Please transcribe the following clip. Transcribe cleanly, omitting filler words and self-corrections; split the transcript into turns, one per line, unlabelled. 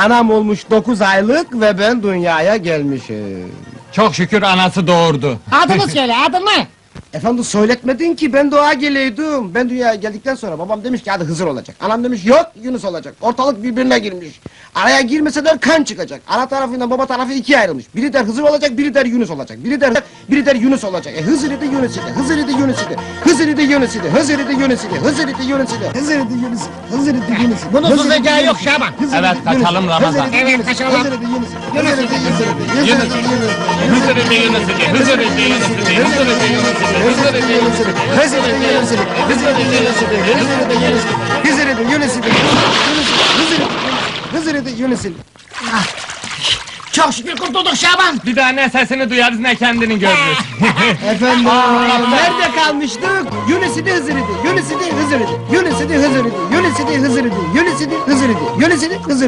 Anam olmuş 9 aylık ve ben dünyaya gelmişim.
Çok şükür anası doğurdu.
Adını söyle, adını!
Efendim söyletmedin ki ben doğa geleydim. Ben dünyaya geldikten sonra babam demiş ki hadi Hızır olacak. Anam demiş yok Yunus olacak. Ortalık birbirine girmiş. Araya girmeseler kan çıkacak. Ana tarafıyla baba tarafı ikiye ayrılmış. Biri der Hızır olacak, biri der Yunus olacak. Biri der Yunus olacak. Hızır idi Yunus idi. Hızır idi Yunus idi. Hızır idi Yunus idi. Hızır idi Yunus idi. Hızır idi Yunus idi. Hızır idi Yunus idi. Hızır idi Yunus idi.
Bunun susacağı yok Şaban.
Evet, kaçalım Ramazan.
Evet, kaçalım.
Hızır idi Yunus idi. Yunus idi Yunus idi.
Hızır idi Yunus idi. Hızır idi Yunus idi. Hızır idi Yunus idi. Hızır idi Yunus idi.
Hızır idi Yunus idi. Hızır idi Yunus idi. Hızır idi Yunus idi. Hızır idi Yunus idi.
Çok şükür kurtulduk Şaban!
Bir daha ne sesini duyarız ne kendini görürüz.
Efendim, nerede kalmıştık? Yunus idi Hızır idi. Yunus idi Hızır idi. Yunus idi Hızır idi. Yunus idi Hızır idi. Yunus idi Hızır idi. Yunus idi Hızır idi.